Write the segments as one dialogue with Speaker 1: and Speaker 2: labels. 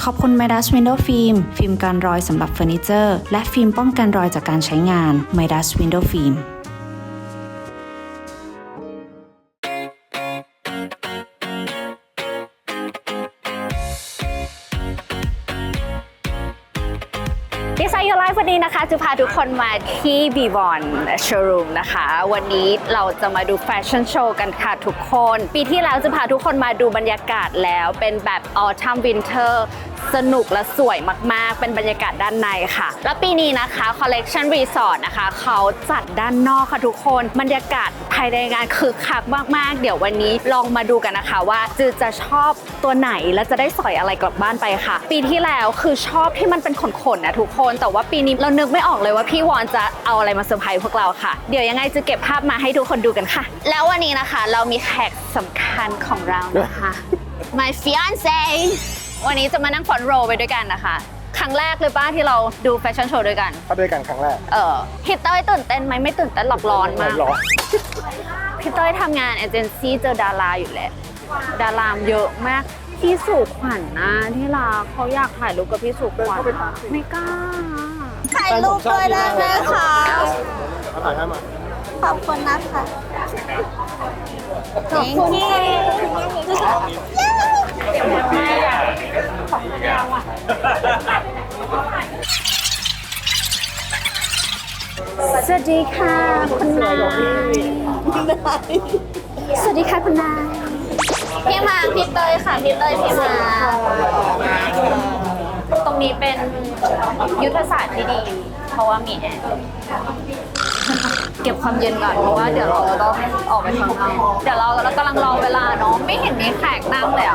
Speaker 1: ขอบคุณ Midas Window Film ฟิล์มกันรอยสำหรับเฟอร์นิเจอร์และฟิล์มป้องกันรอยจากการใช้งาน Midas Window Film
Speaker 2: Design Your Life วันนี้นะคะจะพาทุกคนมาที่ Beyond Showroom นะคะวันนี้เราจะมาดูแฟชั่นโชว์กันค่ะทุกคนปีที่แล้วจะพาทุกคนมาดูบรรยากาศแล้วเป็นแบบ Autumn Winter สนุกและสวยมากๆเป็นบรรยากาศด้านในค่ะแล้วปีนี้นะคะ Collection Resort นะคะเขาจัดด้านนอกค่ะทุกคนบรรยากาศภายในงานคึกคักมากๆเดี๋ยววันนี้ลองมาดูกันนะคะว่าจะชอบตัวไหนและจะได้สอยอะไรกลับบ้านไปค่ะปีที่แล้วคือชอบที่มันเป็นขนๆนะทุกคนแต่ว่าปีนี้เรานึกไม่ออกเลยว่าพี่วอนจะเอาอะไรมาเซอร์ไพรส์พวกเราค่ะเดี๋ยวยังไงจะเก็บภาพมาให้ทุกคนดูกันค่ะแล้ววันนี้นะคะเรามีแขกสำคัญของเรานะคะ My fiance วันนี้จะมานั่งฟอนโรไปด้วยกันนะคะครั้งแรกเลยป้าที่เราดูแฟชั่นโชว์ด้วยกัน
Speaker 3: ก็ด้วยกันครั้งแรก
Speaker 2: พี่เต้ยตื่นเต้นไหมไม่ตื่นเต้นหรอกร้อนมาก
Speaker 3: ร้อน
Speaker 2: พี่เต้ยทำงานเอเจนซี่เจอดาราอยู่แหละดารามเยอะมากพี่สุขวัญนะที่รักเขาอยากถ่ายรูปกับพี่สุขวัญไม่กล้า
Speaker 4: ถ่ายรูปด้วยได้ไหมคะ
Speaker 3: ถ่ายให้มา
Speaker 4: ขอบคุณนะคะ
Speaker 2: Thank you สวัสดีค่ะคุณนายสวัสดีค่ะคุณนายพี่มาพี่เตยค่ะพี่เตยพี่มาตรงนี้เป็นยุทธศาสตร์ที่ดีเพราะว่ามีแอร์เก็บความเย็นก่อนเพราะว่าเดี๋ยวเราต้องออกไปข้างนอกเดี๋ยวเรากำลังรอเวลาเนาะไม่เห็นมีแขกนั่งเลยอ่ะ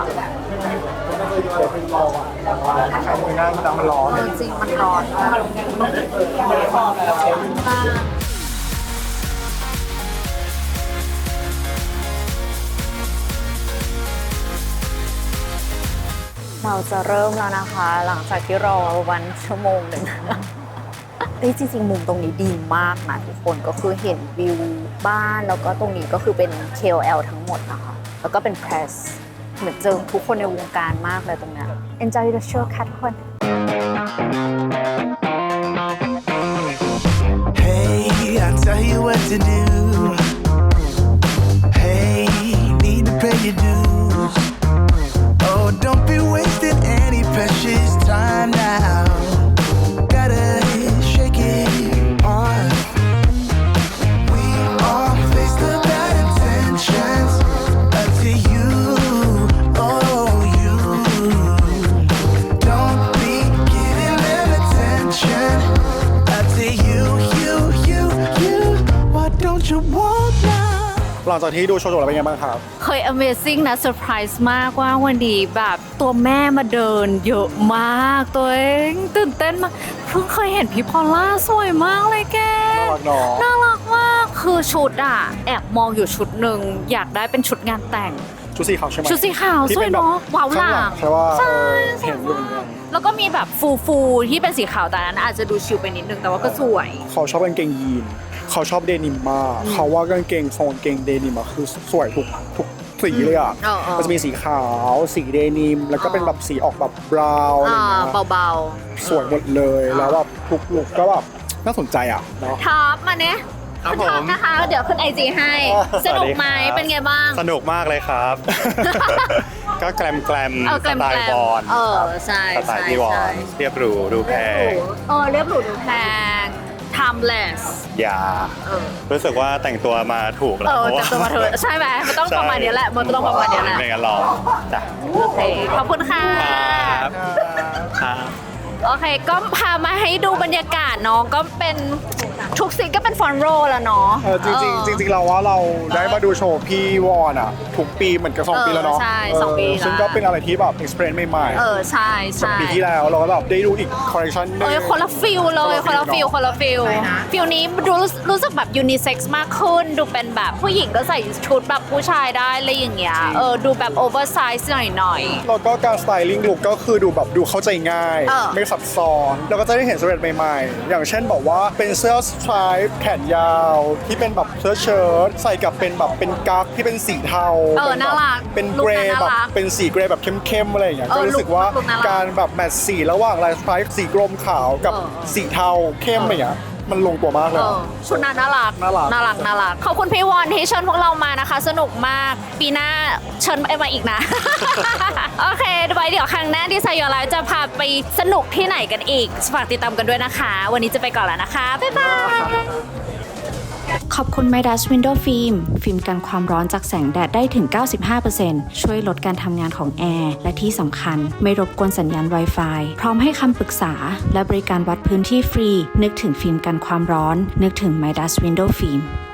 Speaker 3: ใครมือนั่งแต่มันร้อน
Speaker 2: จริงมันร้อนเราจะเริ่มแล้วนะคะหลังจากที่รอวันชั่วโมงหนึ่งจริงๆมุมตรงนี้ดีมากนะทุกคนก็คือเห็นวิวบ้านแล้วก็ตรงนี้ก็คือเป็น KOL ทั้งหมดนะคะแล้วก็เป็น press เหมือนเจอทุกคนในวงการมากเลยตรงนี้ Enjoy the show ค่ะทุกคน
Speaker 5: Hey, I tell you what to do. Hey, need to pay your dues. Oh, don't be wasting any precious time now. Gotta shake it off. We all face the bad intentions up to you. Oh, you don't be giving them attention up to you. Why don't you want now?
Speaker 3: หลังจากที่ดูโชว์จบแล้วเป็นไงบ้างครับ
Speaker 2: เคย Amazing นะเซอร์ไพรส์มากว่าวันนี้แบบตัวแม่มาเดินเยอะมากตัวเองตื่นเต้นมากเพิ่งเคยเห็นพี่พอลล่าสวยมากเลยแก
Speaker 3: น่ารักเนาะ
Speaker 2: น่ารักมากคือชุดอ่ะแอบมองอยู่ชุดหนึ่งอยากได้เป็นชุดงานแต่ง
Speaker 3: ชุดสีขาวใช่ไหม
Speaker 2: ชุดสีขาว
Speaker 3: ที่
Speaker 2: สวยเนาะว้าวหลัง
Speaker 3: ใช่ว่า
Speaker 2: ใช่
Speaker 3: เห็นอยู่เหมือนกัน
Speaker 2: แล้วก็มีแบบฟูที่เป็นสีขาวแต่นั้นอาจจะดูชิลไปนิดนึงแต่ว่าก็สวย
Speaker 3: เขาชอบกางเกงยีนเขาชอบเดนิมมากเขาว่ากางเกงทรงกางเกงเดนิมอะคือสวยทุกสีเลยอ่ะมันจะมีสีขาวสีเดนิมแล้วก็เป็นแบบสีออกแบบบราวน์อะไรเงี้ย
Speaker 2: เบา
Speaker 3: สวยหมดเลยแล้วแบบทุกลุคก็แบบน่าสนใจอ่ะเนาะ
Speaker 2: ๆท็อปมาเนี่ย
Speaker 6: ครับ
Speaker 2: ท็อป
Speaker 6: ผม
Speaker 2: นะคะเดี๋ยวขึ้น IG ให้สนุกไหมเป็นไงบ้าง
Speaker 6: สนุกมากเลยครับ ก็แกลม
Speaker 2: แกลม
Speaker 6: สไตล์บอล
Speaker 2: ใช่
Speaker 6: สไตล์พี่วอนเรียบหรูดูแพง
Speaker 2: เรียบหรูดูแพง timeless
Speaker 6: อย่ารู้สึกว่าแต่งตัวมาถูกแล้วเพราะ
Speaker 2: แต่
Speaker 6: ว่า
Speaker 2: ตัวมาเถอะใช่ไหมมันต้องประมาณนี้แหละมันต้องประมาณนี้แหละ
Speaker 6: ไม่งั้นหรอกจ้ะ
Speaker 2: โอเคขอบคุณค่ะ
Speaker 6: ครับครับ
Speaker 2: โอเคก็พามาให้ดูบรรยากาศเนาะก็เป็นทุกซีนก็เป็นฟอนโรแล้วเนาะ
Speaker 3: จริงเราว่าเราได้มาดูโชว์พี่วอนอ่ะทุกปีเหมือนกับ2 ปีแล้วเนาะ
Speaker 2: ใช่2 ปีแล้ว
Speaker 3: ซึ่งก็เป็นอะไรที่แบบ experience ใหม่ๆ
Speaker 2: ใช่
Speaker 3: ปีที่แล้วเราก็แบบได้ดูอีกคอลเลคชันนึง
Speaker 2: คนละฟิลเลยคนละฟิลฟิลนี้รู้สึกแบบยูนิเซ็กซ์มากขึ้นดูเป็นแบบผู้หญิงก็ใส่ชุดแบบผู้ชายได้อะไรอย่างเงี้ยดูแบบโอเวอร์ไซส์หน่อย
Speaker 3: แล้วก็การสไตลิ่งลุคก็คือดูแบบดูเข้าใจง่าย ไม่ซับซ้อนแล้วก็จะได้เห็นสเตทใหม่ๆอย่างเช่นบอกว่าเป็นเสื้อ stripe แขนยาวที่เป็นแบบเสื้อเชิ้ตใส่กับเป็นแบบเป็นกั๊กที่เป็นสีเทา
Speaker 2: น่ารัก
Speaker 3: เป็นเกรย์
Speaker 2: ลุคนั้น
Speaker 3: แบบ
Speaker 2: น่ารัก
Speaker 3: เป็นสีเกรย์แบบเข้มๆอะไรอย่างเงี้ยก็รู้สึกว่า
Speaker 2: ลุคน่ารัก
Speaker 3: การแบบแมทช์สีระหว่างลายสไตร์สีกรมขาวกับสีเทาเข้มอะไรอย่างเงี้ยมันลงตัวมากเลยอะ
Speaker 2: ชุดนั้นน่ารัก
Speaker 3: น่ารัก
Speaker 2: น่ารักขอบคุณพี่วอนที่เชิญพวกเรามานะคะ สนุกมากปีหน้าเชิญมาอีกนะ โอเคไว้เดี๋ยวครั้งหน้าที่ไซยอไลฟ์จะพาไปสนุกที่ไหนกันอีกฝากติดตามกันด้วยนะคะ วันนี้จะไปก่อนแล้วนะคะ บ๊ายบาย
Speaker 1: ขอบคุณ Midas Window Film ฟิล์มกันความร้อนจากแสงแดดได้ถึง 95% ช่วยลดการทำงานของแอร์และที่สำคัญไม่รบกวนสัญญาณ Wi-Fi พร้อมให้คำปรึกษาและบริการวัดพื้นที่ฟรี นึกถึงฟิล์มกันความร้อน นึกถึง Midas Window Film